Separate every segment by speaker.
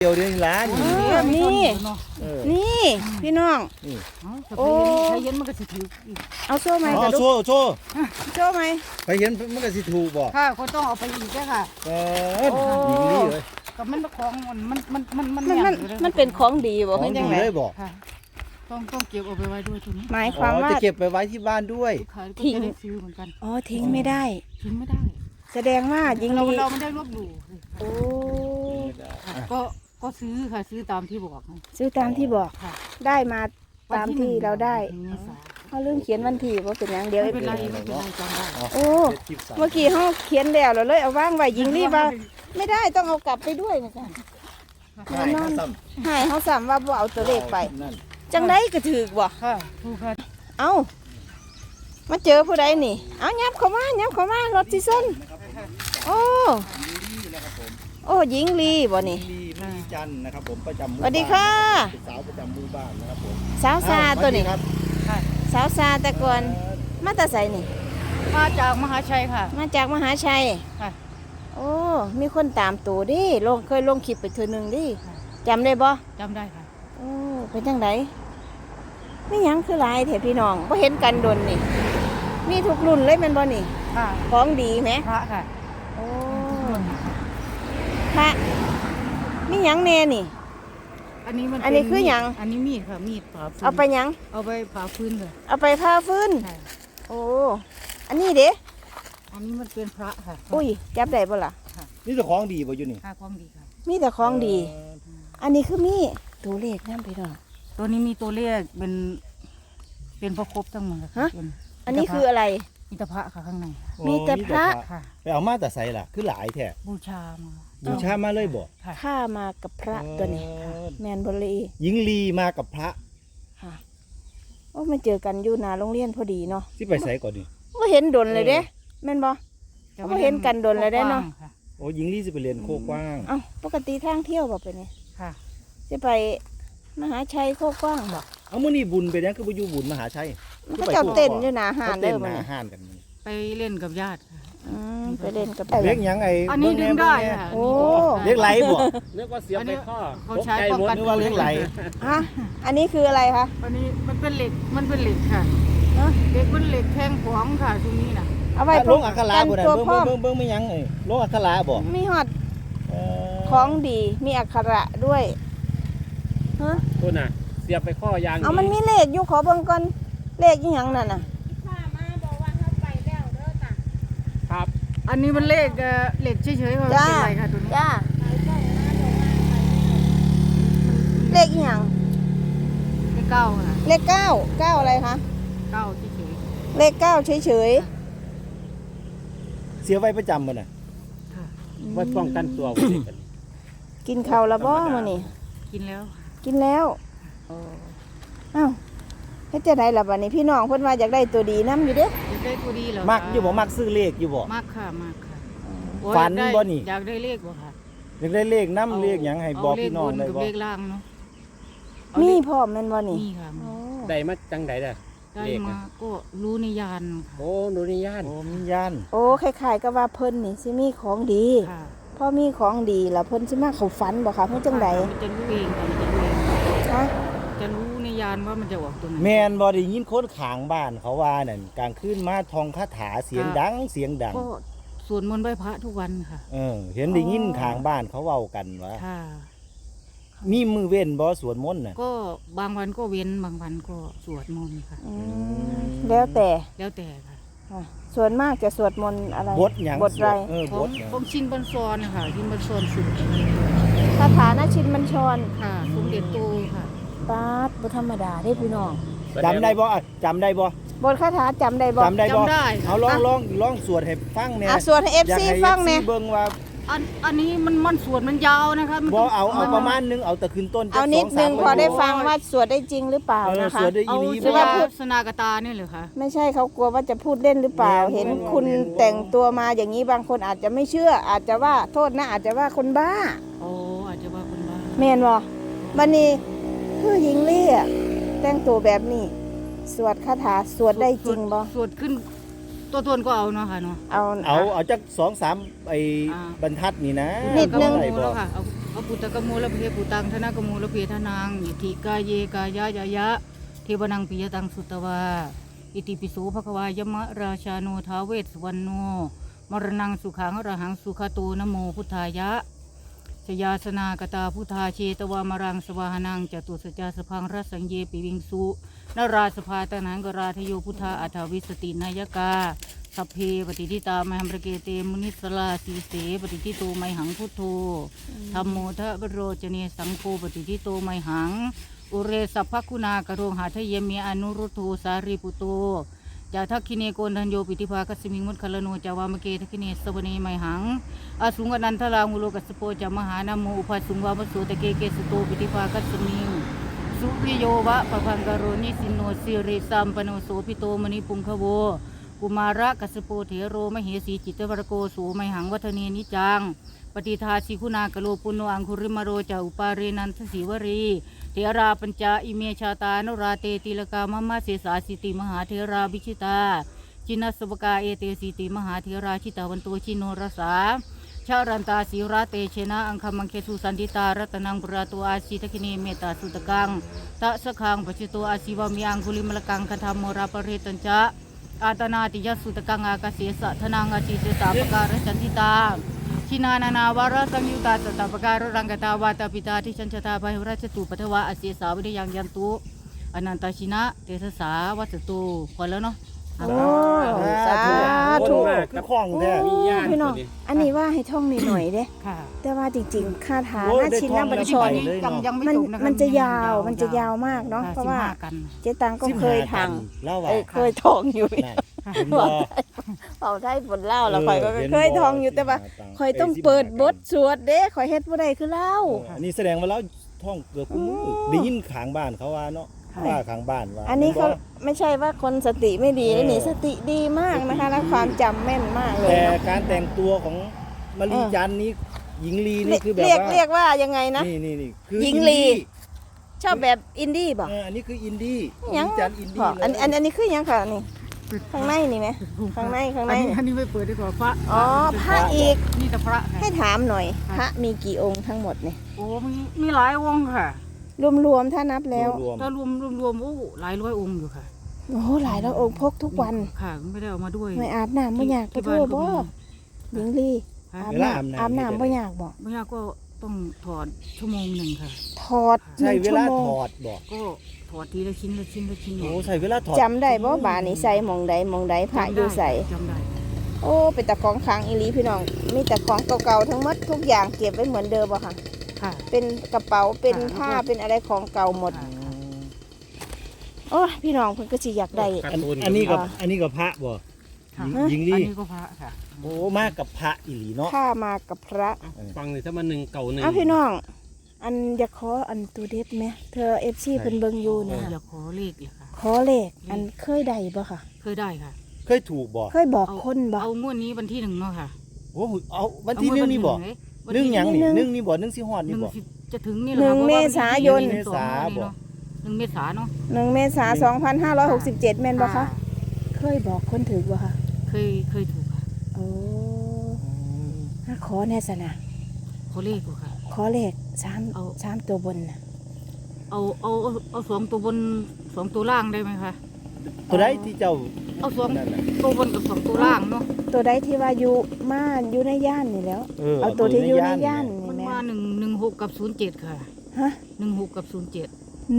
Speaker 1: เดียวเดียวล้าน
Speaker 2: นี่พี่น้องโอ้ใครเห็นมันก็สิถูกเอาโซ่ไหมกระดูก
Speaker 1: โซ่
Speaker 2: ไหม
Speaker 1: ใครเห็นมันก็สิถูกบ่
Speaker 2: ค่ะก็ต้องเอาไปอีกแค่ค่ะ
Speaker 1: ยิงนี่เลย
Speaker 2: กับมันของมันเป็นของดีบ่เป็นยังไงต้องเก็บเอาไปไว้ด้วยตัวนี้
Speaker 1: หมายความว่าจะเก็บไปไว้ที่บ้านด้วย
Speaker 2: ทิ้งเหมือนกันทิ้งไม่ได้แสดงว่ายิง
Speaker 3: เราไม่ได้ลบหลู่
Speaker 2: โอ้
Speaker 3: ก็ซื้อค่ะซื้อตามที่บอก
Speaker 2: ค่ะได้มาตามที่เราได้เขาลืมเขียนวันที่ว่าเป็นอย่างเดียว
Speaker 3: ไม่เป็นไรจำได้
Speaker 2: โอ้เมื่อกี้เขาเขียนแล้วเราเลยเอาว่างไว้ยิงรีบว่าไม่ได้ต้องเอากลับไปด้วยนะจ๊ะนอนให้เขาสั่งว่าบ่เอาตัวเลขไปจังได้ก็ถือบ่เอามาเจอผู้ใดนี่เอายับเข้ามารถที่ส้นโอ้หญิงลีบ่นี่
Speaker 1: จันนะครับผมประจำ
Speaker 2: สวัสดีค่ะ
Speaker 1: สาวประจำหมู่บ้านนะครับผม
Speaker 2: สาวซาตัวนี้สาวซาแต่ก่อนมาแต่ไสนี่
Speaker 3: มาจากมหาชัยค่ะ
Speaker 2: มาจากมหาชัยโอ้มีคนตามตัวดิเคยลงคลิปไปเทื่อนึงดิจำได้บ่
Speaker 3: จำได้ค่ะ
Speaker 2: โอ้เป็นจังไดไม่ยังคือหลายแถพี่น้องบ่เห็นกันดนนี่มีทุกรุ่นเลยแม่นบ่นี่ของดีไหม
Speaker 3: พระค่ะ
Speaker 2: โอ้พระมีหยังแน่นี่
Speaker 3: อันนี้
Speaker 2: คือหยัง
Speaker 3: อันนี้มีดค่ะมีดผ่าฟืน
Speaker 2: เอาไปหยัง
Speaker 3: เอาไปผ่าฟืนเลย
Speaker 2: เอาไปผ่าฟืนโอ้อันนี้เด้
Speaker 3: อันนี้มันเป็นพระค่ะ
Speaker 2: อุ้ยจับได้บ่ล่ะ
Speaker 1: นี่แต่ของดีบ่อยู่นี่
Speaker 3: ของดีค่ะ
Speaker 2: มีแต่ของดีอันนี้คือมีตัวเลขนำพี่น้อง
Speaker 3: ตัวนี้มีตัวเลขเป็นพระครบทั้งหมด
Speaker 2: ฮะอันนี้คืออะไร
Speaker 3: มีแต่พระค่ะข้างใน
Speaker 2: มีแต่พระ
Speaker 1: ไปเอามาแต่ใส่ล่ะคือหลายแท้
Speaker 3: บูชา
Speaker 1: มาเลยบ่
Speaker 2: ข้ามากับพระตัวนี้แมนบรี
Speaker 1: หญิงลีมากับพระ
Speaker 2: ค่ะโอ้มาเจอกันอยู่หน้าโรงเรียนพอดีเนาะ
Speaker 1: ที่ไปใส่ก่อนดิ
Speaker 2: ก็เห็นดนเลยเด้แม่นบ่ก็เห็นกันดนเลยได้เนาะ
Speaker 1: โอ้หญิงลีจะไปเรียนโคกว้าง
Speaker 2: ปกติทางเที่ยวบ่ไปนี่
Speaker 3: ค่ะ
Speaker 2: จะไปมหาชัยโคกว้างบ่
Speaker 1: เอามื้อนี้บุญไปแล้วคือบ่อยู่บุญมหาชัย
Speaker 2: ก็เจ้าเต้นอยู่หน้าห้านเด้อมื้อนี้
Speaker 1: ห้านกัน
Speaker 3: ไปเล่นกับญาติ
Speaker 2: ไปเล่นกับ
Speaker 1: เรียกหยัง
Speaker 3: อันนี้ดึงได้ค่ะ
Speaker 2: โอ้
Speaker 1: เรียกไหลบ่
Speaker 4: เรียกว่าเสียบไปข้อ
Speaker 3: เขาใช้ป้องกัน
Speaker 1: ว่าเรียกไหล
Speaker 2: อันนี้คืออะไรคะ
Speaker 3: อันนี้มันเป็นเหล็กค่ะเหล็กมันเหล็กแทงขวางค่ะตรงนี้น่ะ
Speaker 2: เอาไว้
Speaker 1: ลงอัคระบ่ได้เบิ่งไม่ยังลงอัคระบ่
Speaker 2: มีฮอดของดีมีอักขระด้วย
Speaker 4: ตัวน่ะเสียบไปข้อยาง
Speaker 2: มันมีเลขอยู่ขอเบิ่งก่อนเลขอีหยังนั่นน่ะ
Speaker 4: ครับ
Speaker 3: อันนี้มันเลขเฉยๆค่ะเป็นไรค่ะตัวนี้
Speaker 2: เลขอีหยัง
Speaker 3: เลข9ค่ะ
Speaker 2: เลข9อะไรคะ
Speaker 3: 9เฉย
Speaker 2: ๆเลข9เฉย
Speaker 1: เสียไว้ประจำบ่น่ะ
Speaker 4: ไว้ป้องกันตัว
Speaker 2: กินข้าวแล้วบ่มื้อนี้
Speaker 3: กินแล้ว
Speaker 2: อ้าวเฮ็ดจังได๋ล่ะบัดนี้พี่น้องเพิ่นว่าอยากได้ตัวดีนำอยู่เด้
Speaker 3: อยากได้ตัวดีเหรอ
Speaker 1: มักอยู่บ่มักซื้อเลขอยู่บ่
Speaker 3: มักค่ะ
Speaker 1: ฝันบ่นี่
Speaker 3: อยากได้เลขบ่ค่ะ
Speaker 1: อยากได้เลขนำเลขหยังให้บอกพี่น้องได้บ่
Speaker 3: เลขล่างเนาะ
Speaker 2: มีพร้อมแม่นบ่นี่
Speaker 3: มีค่ะ
Speaker 4: ได้มาจังได๋ล่ะ
Speaker 3: ได้มาก็รู้ในยาน
Speaker 4: โอ้รู้ในยาน
Speaker 1: มียาน
Speaker 2: คล้ายๆกับว่าเพิ่นนี่สิมีของดีพอมีของดีแล้วเพิ่นสิมาเข้าฝันบ่คะเพิ่นจังได๋
Speaker 3: จะรู้เองจะรู้ในยานว่ามันจะออกตรงไหน
Speaker 1: แม่นบ่ได้ยินคนข้างบ้านเขาว่านั่นกลางคืนมาท่องคาถาเสียงดังก็
Speaker 3: สวดมนต์ไหว้พระทุกวันค่ะ
Speaker 1: เห็นได้ยินข้างบ้านเขาเว้ากันว่ามีมือเว้นบ่สวดมนต์น่ะ
Speaker 3: ก็บางวันก็เว้นบางวันก็สวดมนต์ค่ะ
Speaker 2: แล้วแต่
Speaker 3: ค่ะ
Speaker 2: ส่วนมากจะสวดมนต์อะไร
Speaker 1: บทหยัง
Speaker 2: บทอะไร
Speaker 3: ของชินบัญชรค่ะชินบัญชรสุด
Speaker 2: คาถานะชินบัญชร
Speaker 3: ค่ะสมเด็จโตค่ะ
Speaker 2: ปาดบ่ธรรมดาเด้พี่น้อง
Speaker 1: จำได้บ่
Speaker 2: บทคาถาจำได้บ่
Speaker 1: เอาลองสวดให้ฟังแน่
Speaker 2: สวดให้ FC ฟังแน่
Speaker 1: เบิ่งว่า
Speaker 3: อันนี้มันสวดมันยาวนะคะ
Speaker 1: บ่เอาประมาณนึงเอาแต่ขึ้นต้น
Speaker 2: เอานิดนึงพอได้ฟังว่าสวดได้จริงหรือเปล่านะคะ
Speaker 1: เอา
Speaker 3: สวดพุทธนากตาเนี่ยเหรอคะ
Speaker 2: ไม่ใช่เขากลัวว่าจะพูดเล่นหรือเปล่าเห็นคุณแต่งตัวมาอย่างนี้บางคนอาจจะไม่เชื่ออาจจะว่าโทษนะอาจจะว่าคนบ้า
Speaker 3: อาจจะว่าคนบ้า
Speaker 2: แม่นบ่บัดนี้คือหญิงลี่แต่งตัวแบบนี้สวดคาถาสวดได้จริงบ่
Speaker 3: สวดขึ้นตัวตนก็เอาเนาะค่ะเนาะ
Speaker 1: เอาจัก 2-3 ไอ้บรรทัดนี่นะ
Speaker 2: นิดนึง
Speaker 3: ค่ะเอาพระปุตตะกโมละเพปุตังธนกโมละเพทนังอิทิกาเยกายายายะเทวนังปิยตังสุตวาอิติปิโสภควายมะราชาโนท้าวเวสสุวรรณโนมรณังสุขังอรหังสุขโตนะโมพุทธายะชยาสนากตาพุทธาเชตวามรังสวาหนังจตุสจาสพังรัสสังเยปิวิงสุนราสภาตนังกราทโยพุทธาอัฏฐวิสตินายกาสัพเพปฏิทิตามหัมระเกเตมุนิสลาสีเสปฏิทิโตไมหังพุทโธธัมโมทะบโรจเนสังโฆปฏิทิโตไมหังอุเรสัพพคุณากโรงหาทะเยเมอนุรุตโธสารีปุโตจาทักขิเนโกนทันโยปิติภาคัสมิงมุตคลโนจาวามเกทักขิเนสวเนไมหังอาสุงอนันทลาหุโลกัสโปจามหานาโมอุปาสุงวามโสตะเกเกสโตปิติภาคัสมิงสุริโยวะปะพังกโรนิสินโนสิริสัมปโนโสปิโตมณิปุงคโวกุมาระกัสโปเถโรมเหสีจิตวรโกสูไมหังวัฒเนนิจังปฏิทาสิคุณากโลปุโนอังคุริมโรจาอุปาเรนันทศิวรีเทราปัญจาอิเมชาตานุราเตติลกามะมะเสสาสิติมหาเทราวิชิตาจินัสสวกาเอเตสิติมหาเทราชิตาวันโตชิโนรสาชารันตาศิราเตเชนะอังคมังเคสุสันติตารัตนังปราตัวอาศิทคินีเมตตาสุตกังตะสะคังปัจจิโตอาศิวามีอังคุลิมลกังคธรรมโมราปเรตัญจะอาตนาติยสุตกังอากาเสสะธนังอาศิเสสาปการจันติตาชินานานาวาระสังยุตาสตาปการรังกตาวาตาปิตาที่ชันชตาภัยราชตุปัทวะอาเสสาวิริยังยันตุอนันตชินะเตสสาวัตตุพอแล้วเนาะ
Speaker 2: โอ้สาธุ
Speaker 1: คือคล่องแท้
Speaker 4: มีญาติ
Speaker 2: พี่น้องอันนี้ว่าให้ท่องนิดหน่อยเด้
Speaker 3: ค่ะ
Speaker 2: แต่ว่าจริงๆคาถา
Speaker 1: โอ้ย
Speaker 2: หน้าชินหน้าบัญชร
Speaker 1: ได้ท่องแล้ว
Speaker 3: ยังไม่
Speaker 2: มัน
Speaker 3: จบนะคะ
Speaker 2: มันจะยาวมันจะยาวมากเนาะ
Speaker 3: ค่
Speaker 2: เพราะว่า
Speaker 3: 15กัน
Speaker 2: เจ๊ตังก็เคยทาง
Speaker 1: เล่าว่า
Speaker 2: เคยท่องอยู่
Speaker 1: นั่นเห็นบ่
Speaker 2: เอาได้ผลเล่าแล้วข่อยก็เคยท่องอยู่แต่ว่าข่อยต้องเปิดบทสวดเด้ข่อยเฮ็ดบ่ได้คือเล่า
Speaker 1: อันนี้แสดงว่าเราท่องเกือบทุกมื้อได้ยินข้างบ้านเขาว่าเนาะว่าข้างบ้านว่า
Speaker 2: อันนี้เขาไม่ใช่ว่าคนสติไม่ดี
Speaker 1: เออ
Speaker 2: นี่สติดีมากนะคะและความจำแม่นมากเลย
Speaker 1: แต่
Speaker 2: เนาะ
Speaker 1: การแต่งตัวของมลีจันทร์นี้หญิงลีนี่คือแบบ
Speaker 2: เรียก
Speaker 1: ว่า
Speaker 2: เรียกว่ายังไงนะ
Speaker 1: นี่คือ
Speaker 2: หญิงลี ชอบแบบอินดี้บ่
Speaker 1: อันนี้คืออินดี้ม
Speaker 2: ยัง
Speaker 1: ลีจันทร์อิน
Speaker 2: พ
Speaker 1: ดี้
Speaker 2: อ
Speaker 1: เลย
Speaker 2: อันนี้คือยังค่ะนี่ข้างในนี่ไหมข้างใน
Speaker 3: อันนี้ไม่เปิดดีกว่าพระ
Speaker 2: อ๋อพระอีก
Speaker 3: นี่แต่พระค่ะ
Speaker 2: ให้ถามหน่อย พระมีกี่องค์ทั้งหมดเนี่ย
Speaker 3: โอ้มีหลายองค์ค่ะ
Speaker 2: รวมๆถ้านับแล้ว
Speaker 1: รวม
Speaker 3: ถ้ารวมโอ้หลายร้อยองค์อยู่ค่ะ
Speaker 2: โอ้โหหลายแล้วองค์พกทุกวัน
Speaker 3: ค่ะไม่ได้เอามาด้วย
Speaker 2: ไม่อาบน้ำบ่อยาก
Speaker 3: ที่
Speaker 2: ไปโทษบ่
Speaker 3: บ้านก็มี
Speaker 2: หญิงลี
Speaker 3: ค่ะ
Speaker 2: อาบน้ำอาบน้ำบ่อยากบ่
Speaker 3: ไม่ยากก็ต้องถอดชั่วโมงหนึ่งค่ะ
Speaker 2: ถอด
Speaker 1: ใช้เวลา
Speaker 2: 1 ชั่โมง
Speaker 1: ถอดบอก
Speaker 3: ก็ถอดทีละชิ้นละชิ้นละชิ้น
Speaker 1: โอ้ใช้เวลาถอด
Speaker 2: จำได้บ่บานี่ใส่หมองใดหมองใดพระอยู่ใส่
Speaker 3: จำได้
Speaker 2: โอ้เป็นตะของค้างอีหลีพี่น้อง มีแต่ของเก่าๆทั้งหมดทุกอย่างเก็บไว้เหมือนเดิมบ่ค่ะ
Speaker 3: ค่ะ
Speaker 2: เป็นกระเป๋าเป็น
Speaker 3: ค่ะ
Speaker 2: ผ้าเป็นอะไรของเก่าหมด
Speaker 3: ค่ะ
Speaker 2: โอ้ยพี่น้องเพิ่นก็สิอยากได้
Speaker 1: อันนี้กับอันนี้กับพระบ่
Speaker 3: ค่ะ
Speaker 1: หญิงลี
Speaker 3: อันนี้ก็พระค่ะ
Speaker 1: โอ้มากกับพระอีหลีเนาะ
Speaker 2: ผ้ามากับพระ
Speaker 4: ฟังเลยถ้ามันหนึ่งเก่าหนึ่ง
Speaker 2: อ้าวพี่น้อง อันอยากขออันตัวเด็ดไหมเธอ FC เพิ่นเบิ่งอยู่เนี่ย
Speaker 3: อยากขอเลขเลยค่ะ
Speaker 2: ขอเลขอันเคยได้บ่ค่ะ
Speaker 3: เคยได้ค่ะ
Speaker 1: เคยถูกบ่
Speaker 2: เคยบอกคนบ่
Speaker 3: เอางวดนี้วันที่1เนาะค่ะ
Speaker 1: โอ้เอาวันที่หนึ่งนี่บ่
Speaker 3: วัน
Speaker 1: หนึ่ง
Speaker 3: ที่
Speaker 1: หยังนี่
Speaker 2: หนึ่ง
Speaker 1: หนึ่งนี่บ่หนึ่งสิฮอด
Speaker 3: ห
Speaker 1: นี่
Speaker 3: นึ่ง
Speaker 1: บ่
Speaker 3: สิจะถึงนี่แห
Speaker 2: หนึ่
Speaker 3: ละ
Speaker 2: ง
Speaker 3: ค่ะ
Speaker 2: เมษายน
Speaker 3: เพราะว่าวันที่1 เมษาเนาะ
Speaker 2: 1 เมษายน 2567แม่นบ่คะเคยบอกคนถือบ่คะ
Speaker 3: เคยถูกค่ะ
Speaker 2: โอ้ถ้าขอแน่สนะ
Speaker 3: ขอเลขกูค่ะ
Speaker 2: ขอเลข
Speaker 3: เอา
Speaker 2: 3ตัวบนน่ะ
Speaker 3: เอา2 ตัวบน2 ตัวล่างได้ไหมคะ
Speaker 1: ตัวใดที่เจ้า
Speaker 3: เอา
Speaker 1: นั่นน่ะ
Speaker 3: 2 ตัวบนกับ2 ตัวล่างเนาะ
Speaker 2: ตัวใดที่ว่าอยู่มาอยู่ในย่านนี่แล้ว เอาตัวที่อยู่ในย่าน
Speaker 3: มัน
Speaker 2: นี่แม่
Speaker 3: ว่า116กับ07ค่ะ
Speaker 2: ฮะ
Speaker 3: 16กับ07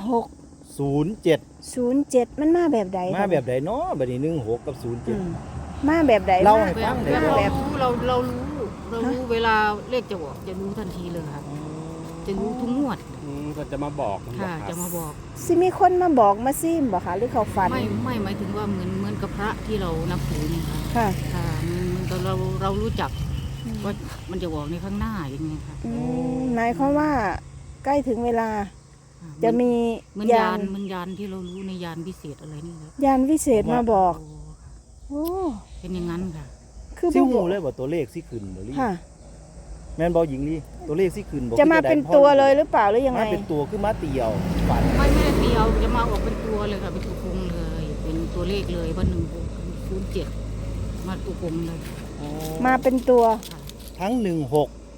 Speaker 2: 1607
Speaker 1: 07
Speaker 2: มันมาแบบใด
Speaker 1: มาแบบใดเนาะบัดนี้16กับ
Speaker 2: อืม
Speaker 1: 07
Speaker 2: มาแบบใด
Speaker 1: เล่า
Speaker 2: มา
Speaker 1: ให้ฟังหน่อย
Speaker 3: แบบ
Speaker 2: แบบ
Speaker 3: เรารู้เวลาเลขจะบอกจะรู้ทันทีเลยค่ะ จะรู้ทุกงวด
Speaker 4: ก็จะมาบอก
Speaker 3: ค่ะ จะมาบอก
Speaker 2: สิมีคนมาบอกมาซิมบ่คะหรือเขาฝัน
Speaker 3: ไม่หมายถึงว่าเหมือนกับพระที่เรานับถือนี่ค่ะ
Speaker 2: ค่ะ
Speaker 3: ค่ะมันตอนเรารู้จักว่ามันจะบอกในข้างหน้าอย่างเงี้ยค่ะ
Speaker 2: หมายความว่าใกล้ถึงเวลาจะมี
Speaker 3: เหมือน
Speaker 2: ยาย
Speaker 3: าน นเหมือนยานที่เรารู้ในยานพิเศษอะไรนี่ครับ
Speaker 2: ยานวิเศษมาบอก
Speaker 3: โอ้
Speaker 2: โอ้
Speaker 3: เป็นอย่างนั้นค่ะ
Speaker 2: คือ
Speaker 1: สิ
Speaker 2: บ่
Speaker 1: ฮู้
Speaker 2: บอก
Speaker 1: เลยบ่ตัวเลขสิขึ้นบ่ลี่
Speaker 2: ค่ะ
Speaker 1: แม่นบ่หญิงลี่ตัวเลขสิขึ้นบ่
Speaker 2: จะมาเป็นตัวเลยหรือเปล่าหรือยังไง
Speaker 1: มาเป็นตัวคือมาเตียวฝัน
Speaker 3: ไม่ได้เตียวจะมาออกเป็นตัวเลยค่ะเป็นตัวกลมเลย เป็นตัวเลขเลยว่า1607มาตัวกลมเลย
Speaker 2: มาเป็นตัว
Speaker 1: ทั้ง16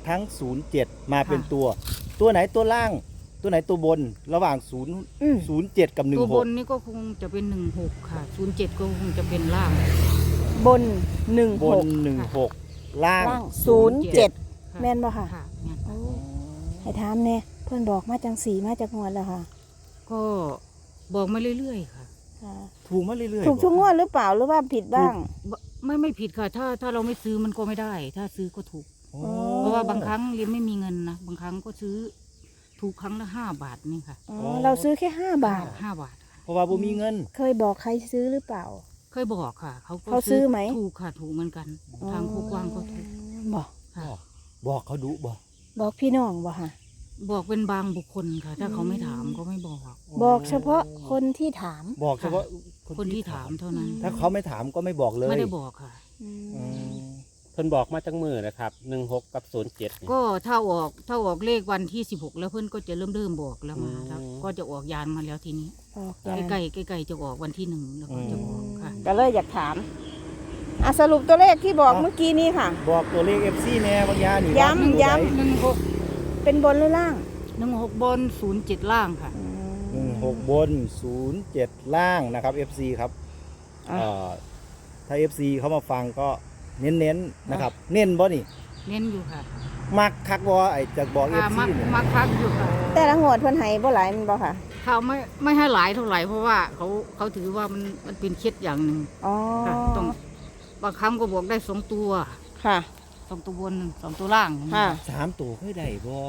Speaker 1: ทั้ง 07 มาเป็นตัวไหนตัวล่าง ตัวไหนตัวบนระหว่าง07 กับ
Speaker 3: ตัวบน
Speaker 1: 16
Speaker 3: นี่ก็คงจะเป็น16ค่ะ07ก็คงจะเป็นล่าง
Speaker 2: บน
Speaker 1: บน
Speaker 2: 16
Speaker 1: 16 ล่าง
Speaker 2: ล่าง 07 แม่นบ่ค่ะ
Speaker 3: ค่ะงั้น
Speaker 2: โอ้ให้ถามแน่เพิ่นบอกมาจังสีมาจากงวดแล้วค่ะ
Speaker 3: ก็บอกมาเรื่อยๆค่ะ
Speaker 2: ค่ะ
Speaker 1: ถูกมาเรื่อยๆ
Speaker 2: ถูกทุกงวดหรือเปล่าหรือว่าผิดบ้าง
Speaker 3: ไม่ผิดค่ะ ถ้าเราไม่ซื้อมันก็ไม่ได้ ถ้าซื้อก็ถูก
Speaker 1: โอ้
Speaker 3: เพราะว่าบางครั้งเรียนไม่มีเงินนะบางครั้งก็ซื้อถูกครั้งละ5 บาทนี่ค่ะ
Speaker 2: อ๋อเราซื้อแค่5 บาท
Speaker 3: 5 บาทค่ะ
Speaker 1: เพราะว่าบ่มีเงิน
Speaker 2: เคยบอกใครซื้อหรือเปล่า
Speaker 3: เคยบอกค่ะ เขาก็
Speaker 2: เขาซื้อไหม
Speaker 3: ถูกค่ะถูกเหมือนกัน ทางผู้กว้างก็ถูก
Speaker 2: บอก
Speaker 3: ค่ะ
Speaker 1: บอกเขาดุบ่
Speaker 2: บอกพี่น้องบ่ค่ะ
Speaker 3: บอกเป็นบางบุคคลค่ะ ถ้าเขาไม่ถามก็ไม่บอก
Speaker 2: บอกเฉพาะคนที่ถาม
Speaker 1: บอกเฉพาะ
Speaker 3: คนที่ถามเท่านั้น
Speaker 1: ถ้าเขาไม่ถามก็ไม่บอกเลย
Speaker 3: ไม่ได้บอกค่ะ
Speaker 2: อืม
Speaker 1: อืม
Speaker 4: เพิ่นบอกมาจังมือนะครับ16กับ07นี่
Speaker 3: ก็ถ้าออกเลขวันที่16แล้วเพื่อนก็จะเริ่มบอกแล้วมาครับ
Speaker 4: อืม
Speaker 3: ก็จะออกยานมาแล้วทีนี้
Speaker 2: บอก
Speaker 3: ใกล้ๆจะออกวันที่1แล้วก็จะออกค่ะ
Speaker 2: ก็เลยอยากถามสรุปตัวเลขที่บอกเมื่อกี้นี้ค่ะ
Speaker 1: บอกตัวเลข FC แน่บางยานี่
Speaker 2: ย้ำ
Speaker 1: ว่า
Speaker 2: ย้ำ
Speaker 3: 16
Speaker 2: เป็นบนหรือล่าง
Speaker 3: 16บน07ล่างค่ะ
Speaker 1: 16 บน 07 ล่างนะครับ FC ครับ
Speaker 2: อ่ะ
Speaker 1: ถ้า FC เขามาฟังก็เน้นๆนะครับ เน้นบ่นี่
Speaker 3: เน้นอยู่ค่ะ
Speaker 1: มักคักบ่ไอ้จะบอก
Speaker 3: ค่ะ
Speaker 1: FC นี่
Speaker 3: มาคักอยู่ค่ะ
Speaker 2: แต่ละงวดเพิ่นให้บ่หลายแมันบ่ค่ะ
Speaker 3: เขาไม่ให้หลายเท่าไหร่เพราะว่าเขาถือว่ามันเป็นเคล็ดอย่างหนึ่ง
Speaker 2: อ๋อ
Speaker 3: ค่ะต้องบางครั้งก็บอกได้2 ตัว
Speaker 2: ค่ะ
Speaker 3: 2 ตัวบน2 ตัวล่าง
Speaker 2: ค่ะ
Speaker 1: 3 ตัวเคยได้บ่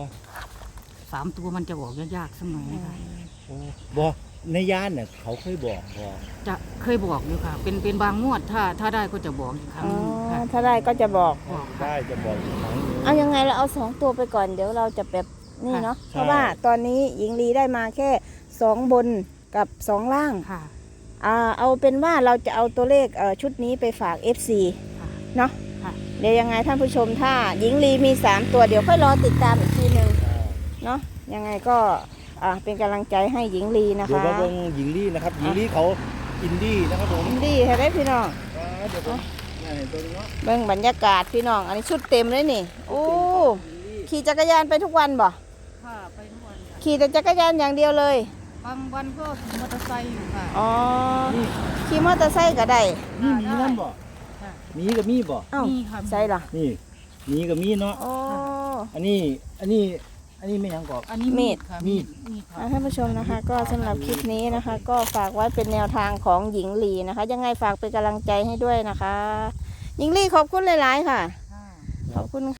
Speaker 3: 3 ตัวมันจะออกยากๆสักหน่อยนะคะ
Speaker 1: โอ้บ่ในย่านน่ะเขาเคยบอกบ่
Speaker 3: จะเคยบอกอยู่ค่ะ เป็นบางงวดถ้าได้ก็จะบอกอีกครั้ง
Speaker 2: อ๋อ
Speaker 3: หนึงค่ะ
Speaker 2: ถ้าได้ก็จะบอก
Speaker 3: บอกค่ะ
Speaker 1: ได้จะบอกอีกครั้งหนึง
Speaker 2: เอายังไงเราเอา2 ตัวไปก่อนเดี๋ยวเราจะแบบนี่เนาะ
Speaker 1: ใช่
Speaker 2: เพราะว่าตอนนี้หญิงลีได้มาแค่2 บนกับ 2 ล่าง
Speaker 3: ค่ะ
Speaker 2: เอาเป็นว่าเราจะเอาตัวเลขชุดนี้ไปฝาก FC
Speaker 3: ค่ะ
Speaker 2: เนาะ
Speaker 3: ค่ะ
Speaker 2: เดี๋ยวยังไงท่านผู้ชมถ้าหญิงลีมี3 ตัวเดี๋ยวค่อยรอติดตามอีกทีหนึ่งเนาะยังไงก็เป็นกำลังใจให้หญิงลีนะ
Speaker 1: เดี๋ยว
Speaker 2: คะ
Speaker 1: มาเบิ่งหญิงลี่นะครับหญิงลี่เขาอินดี้นะครับผม
Speaker 2: หญิงลีให้ได้พี่น้อง
Speaker 1: เดี๋ยวผมเห็นตัวนี้เนาะ
Speaker 2: เบิ่งบรรยากาศพี่น้องอันนี้ชุดเต็มเลยนี่โอ้ขี่จักรยานไปทุกวันบ่
Speaker 3: ค่ะไปทุกวันค่ะ
Speaker 2: ขี่แต่จักรยานอย่างเดียวเลย
Speaker 3: บางวันก็ขี่มอเตอร์ไซค์อยู่ค่ะ
Speaker 2: อ๋อขี่มอเตอร์ไซค์ก็ได้
Speaker 1: นี่มีนั่นบ่
Speaker 3: ค่ะ
Speaker 1: มีกับมีบ่
Speaker 2: เอ้า
Speaker 3: มีค่ะ
Speaker 2: ใช่เหรอ
Speaker 1: นี่มีกับมีเนาะ
Speaker 2: โอ้
Speaker 1: อันนี้ไม่หยังกอก
Speaker 3: อันนี้
Speaker 2: มีด
Speaker 3: ค่ะ
Speaker 1: มีด
Speaker 3: ค่ะ
Speaker 2: ท่านผู้ชมนะคะ ก็สำหรับคลิปนี้นะคะ ก็ฝากไว้เป็นแนวทางของหญิงลีนะคะ ยังไงฝากเป็นกำลังใจให้ด้วยนะคะ หญิงลีขอบคุณหลาย ๆ ค่ะ
Speaker 3: ค่ะ
Speaker 2: ขอบคุณ